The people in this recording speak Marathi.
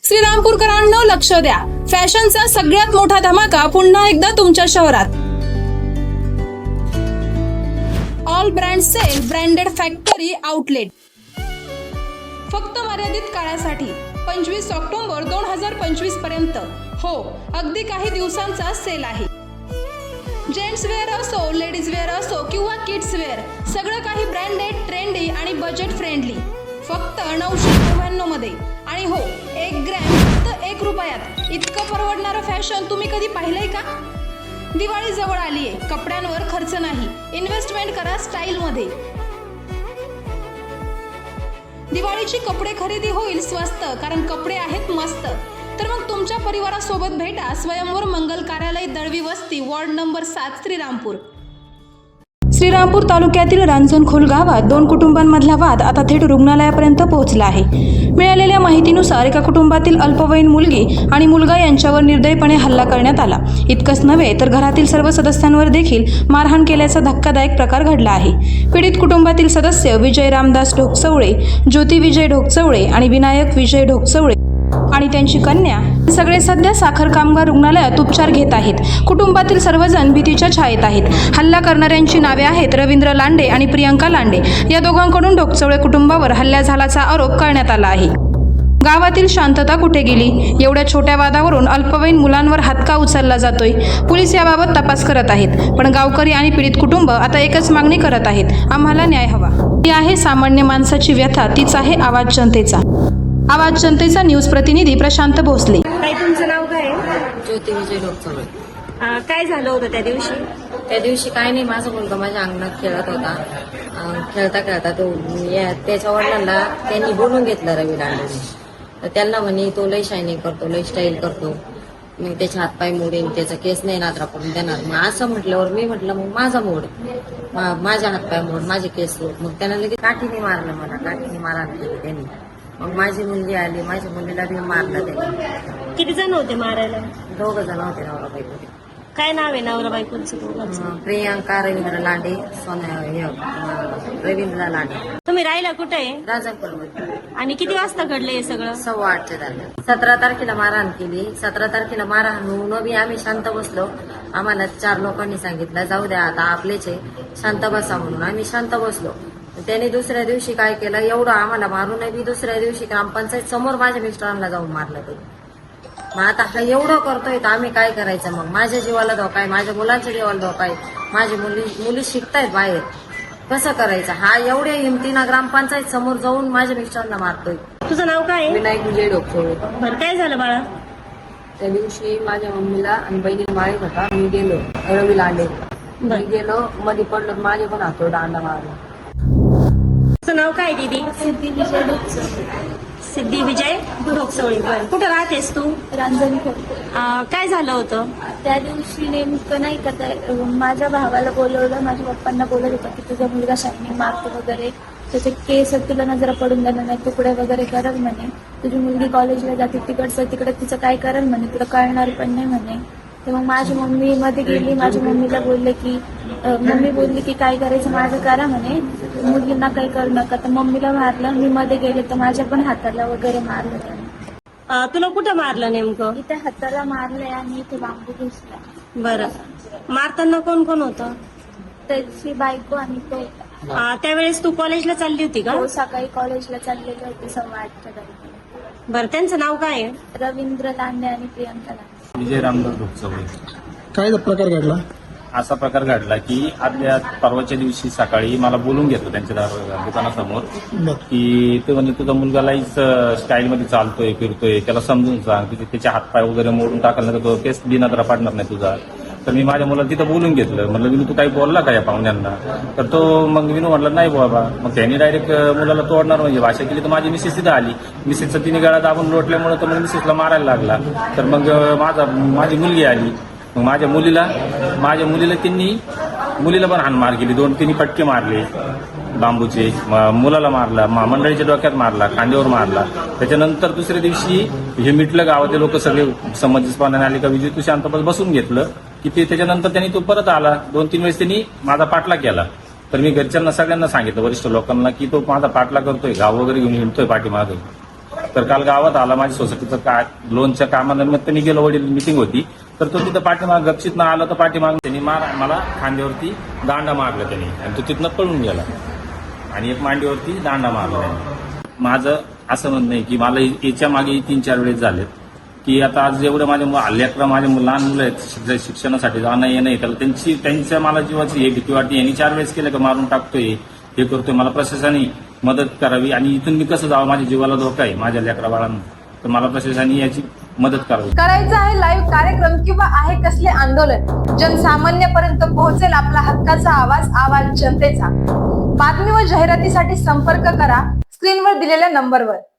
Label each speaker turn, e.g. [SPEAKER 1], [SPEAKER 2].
[SPEAKER 1] श्रीरामपूरकरांनो लक्ष द्या, फॅशनचा सगळ्यात मोठा धमाका पुन्हा एकदा तुमच्या शहरात. All brand sale branded factory outlet. फक्त मर्यादित काळासाठी 25 ऑक्टोबर 2025 पर्यंत. हो, अगदी काही दिवसांचा सेल आहे. जेंट्स वेअर असो, लेडीज वेअर असो किंवा किड्स वेअर, सगळं काही ब्रँडेड, ट्रेंडी आणि बजेट फ्रेंडली. फक्त 999 मध्ये. आणि हो, 1 ग्रॅम फक्त 1 रुपयात. इतकं परवडणारं फॅशन तुम्ही कधी पाहिलंय का? दिवाळी जवळ आलीये, कपड्यांवर खर्च नाही, इन्व्हेस्टमेंट करा स्टाईल मध्ये. दिवाळीची कपडे खरेदी होईल स्वस्त, कारण कपडे आहेत मस्त. तर मग तुमच्या परिवारासोबत भेटा स्वयंवर मंगल कार्यालय, दळवी वस्ती, वॉर्ड नंबर 7, श्रीरामपूर. श्रीरामपूर तालुक्यातील रांजणखोल गावात 2 कुटुंबांमधला वाद आता थेट रुग्णालयापर्यंत पोहोचला आहे. मिळालेल्या माहितीनुसार एका कुटुंबातील अल्पवयीन मुलगी आणि मुलगा यांच्यावर निर्दयीपणे हल्ला करण्यात आला. इतकंच नव्हे तर घरातील सर्व सदस्यांवर देखील मारहाण केल्याचा धक्कादायक प्रकार घडला आहे. पीडित कुटुंबातील सदस्य विजय रामदास ढोकचवळे, ज्योती विजय ढोकचवळे आणि विनायक विजय ढोकचवळे आणि त्यांची कन्या सगळे सध्या साखर कामगार रुग्णालयात उपचार घेत आहेत. कुटुंबातील सर्वजण भीतीच्या छायेत आहेत. हल्ला करणाऱ्यांची नावे आहेत रवींद्र लांडे आणि प्रियंका लांडे. या दोघांकडून ढोकचवळे कुटुंबावर हल्ला झाल्याचा आरोप करण्यात आला आहे. गावातील शांतता कुठे गेली? एवढ्या छोट्या वादावरून अल्पवयीन मुलांवर हात का उचलला जातोय? पोलीस याबाबत तपास करत आहेत. पण गावकरी आणि पीडित कुटुंब आता एकच मागणी करत आहेत, आम्हाला न्याय हवा. ती आहे सामान्य माणसाची व्यथा, तीच आहे आवाज जनतेचा. आवाज जनतेचा न्यूज प्रतिनिधी प्रशांत भोसले.
[SPEAKER 2] ताई, तुमचं नाव काय आहे?
[SPEAKER 3] ज्योती विजय ढोकचवळे.
[SPEAKER 2] काय झालं होतं त्या दिवशी?
[SPEAKER 3] त्या दिवशी काय नाही, माझा मुलगा माझ्या अंगणात खेळत होता. खेळता खेळता तो त्याच्या वडिलांना त्यांनी बोलून घेतलं रवी लांडेने. तर त्यांना म्हणे तो लय शायनिंग करतो, लय स्टाईल करतो, मग त्याचे हातपाय मोडेन, त्याचा केस नाही नादरा पडून देणार. मग असं म्हटल्यावर मी म्हटलं मग माझा मोड, माझ्या हातपाय मोड, माझे केस मोड. मग त्यानं लगेच काठीने मारलं, मला काठीने मारहाण केली त्यांनी. मग माझी मुलगी आली, माझ्या मुलीला बी मारलं त्यांनी.
[SPEAKER 2] किती जण होते मारायला?
[SPEAKER 3] 2 जण होते नवरा बायको.
[SPEAKER 2] काय नाव आहे नवरा बायकोचं दोघांचं?
[SPEAKER 3] प्रियंका रवींद्र लांडे, रवींद्र लांडे.
[SPEAKER 2] तुम्ही राहिला कुठे आहे?
[SPEAKER 3] राजापूरमध्ये.
[SPEAKER 2] आणि किती वाजता घडलं हे सगळं?
[SPEAKER 3] 8:15 दरम्यान. 17 तारखेला मारहाण केली. 17 तारखेला मारहाण होऊन बी आम्ही शांत बसलो. आम्हाला 4 लोकांनी सांगितलं जाऊ द्या आता आपलेच आहे, शांत बसा म्हणून. आम्ही शांत बसलो. त्याने दुसऱ्या दिवशी काय केलं, एवढं आम्हाला मारून बी दुसऱ्या दिवशी ग्रामपंचायत समोर माझ्या मिस्टरांना जाऊन मारलं ते. मग आता हा एवढं करतोय तर आम्ही काय करायचं? मग माझ्या जीवाला धोका आहे, माझ्या मुलांच्या जीवाला धोका आहे, माझी मुली शिकतायत बाहेर, कसं करायचं? हा एवढ्या हिमतीनं ग्रामपंचायत समोर जाऊन माझ्या मिस्टरांना मारतोय.
[SPEAKER 2] तुझं नाव काय आहे?
[SPEAKER 4] विनायक विजय ढोकचवळे.
[SPEAKER 2] बरं, काय झालं बाळा?
[SPEAKER 4] त्या दिवशी माझ्या मम्मीला आणि बहिणीला मारित होता. मी गेलो रवी लांडे, मी गेलो मध्ये पडलो, माझे पण हातोर दांडा मारला.
[SPEAKER 2] तुझं नाव काय दीदी?
[SPEAKER 5] सिद्धी विजय ढोकचवळे.
[SPEAKER 2] सिद्धी विजय ढोकचवळे. बरं, कुठं राहतेस तू?
[SPEAKER 5] रांजणखोल.
[SPEAKER 2] काय झालं होतं
[SPEAKER 5] त्या दिवशी नेमकं नाही का, माझ्या भावाला बोलवलं, माझ्या पप्पांना बोलत होता की तुझा मुलगा शायनिंग मारतो वगैरे, त्याचे केस तुला नजरा पडून देणार नाही, तुकडे वगैरे करल म्हणे, तुझी मुलगी कॉलेजला जाते तिकडचं तिकडे तिचं काय करल म्हणे, तुला कळणार पण नाही म्हणे. तर मग माझी मम्मी मध्ये गेली, माझ्या मम्मीला बोलले की मम्मी बोलली की काय करायचं माझं करा म्हणे, मुलींना काही करू नका. तर मम्मीला मारलं, मी मध्ये गेले तर माझ्या पण हाताला वगैरे मारलं त्याने.
[SPEAKER 2] तुला कुठं मारलं नेमकं?
[SPEAKER 5] इथे हाताला मारलंय आणि इथे बांबू घुसला.
[SPEAKER 2] बरं, मारताना कोण कोण होतं?
[SPEAKER 5] त्याची बायको आणि तो.
[SPEAKER 2] त्यावेळेस तू कॉलेजला चालली होती का?
[SPEAKER 5] हो, सकाळी कॉलेजला चाललेले होते 8:15 दरम्यान.
[SPEAKER 2] बरं, त्यांचं नाव काय आहे?
[SPEAKER 5] रवींद्र लांडे आणि प्रियंका लांडे.
[SPEAKER 6] विजय रामदास ढोकचवळे.
[SPEAKER 7] काय प्रकार घडला?
[SPEAKER 6] असा प्रकार घडला की आदल्या परवाच्या दिवशी सकाळी मला बोलून घेतलं त्यांच्या दुकानासमोर की ते म्हणजे तुझा मुलगा लाईच स्टाईलमध्ये चालतोय, फिरतोय, त्याला समजून सांग की त्याचे हातपाय वगैरे मोडून टाकलं तर तो केस बिनादरा पाडणार नाही तुझा. तर मी माझ्या मुलाला तिथं बोलून घेतलं. म्हणलं विनू तू काही बोलला का या पाहुण्यांना? तर तो मग विनू म्हटलं नाही बाबा. मग त्यांनी डायरेक्ट मुलाला तोडणार म्हणजे भाषा केली. तर माझी मिसेस तिथं आली. मिसेसचा तिने गळा दाबून लोटल्यामुळे तर मग मिसेसला मारायला लागला. तर मग माझी मुलगी आली. मग माझ्या मुलीला त्यांनी मुलीला पण हाणमार केली. 2-3 फटके मारले बांबूचे. मुलाला मारला, मंडळीच्या डोक्यात मारला, खांद्यावर मारला. त्याच्यानंतर दुसऱ्या दिवशी हे मिटलं, गावातले लोक सगळे समंजसपणाने आले का विजय तू शांत बसून घेतलं की ते. त्याच्यानंतर त्यांनी तो परत आला. 2-3 वेळेस त्यांनी माझा पाठलाग केला. तर मी घरच्यांना सगळ्यांना सांगितलं, वरिष्ठ लोकांना, की तो माझा पाठलाग करतोय, गाव वगैरे घेऊन हिंडतोय पाठीमागे. तर काल गावात आला, माझ्या सोसायटीचं लोनच्या कामानिमित्त मी गेलो, वडील मिटिंग होती, तर तो तिथं पाठीमाग गपचित न आला, तर पाठीमाग त्यांनी मला खांद्यावरती दांडा मारला त्यांनी, आणि तो तिथनं पळून गेला, आणि एक मांडीवरती दांडा मारला त्यांनी. माझं असं म्हणणं आहे की मला याच्या मागे 3-4 वेळेस झालेत की आता आज एवढं माझ्या माझ्या लहान मुलं आहेत, शिक्षणासाठी जाणं येणं, त्याला त्यांच्या मला जीवाची हे भीती वाटते. यांनी 4 वेळेस केलं का मारून टाकतोय, हे करतोय, मला प्रशासनाने मदत करावी. आणि इथून मी कसं जावं, माझ्या जीवाला धोका आहे, माझ्या लेकरा बाळांना, तर मला प्रशासनाने याची मदत करावी.
[SPEAKER 8] करायचं आहे लाईव्ह कार्यक्रम किंवा आहे कसले आंदोलन, जनसामान्यपर्यंत पोहोचेल आपला हक्काचा आवाज जनतेचा. बातमी व जाहिरातीसाठी संपर्क करा स्क्रीनवर दिलेल्या नंबरवर.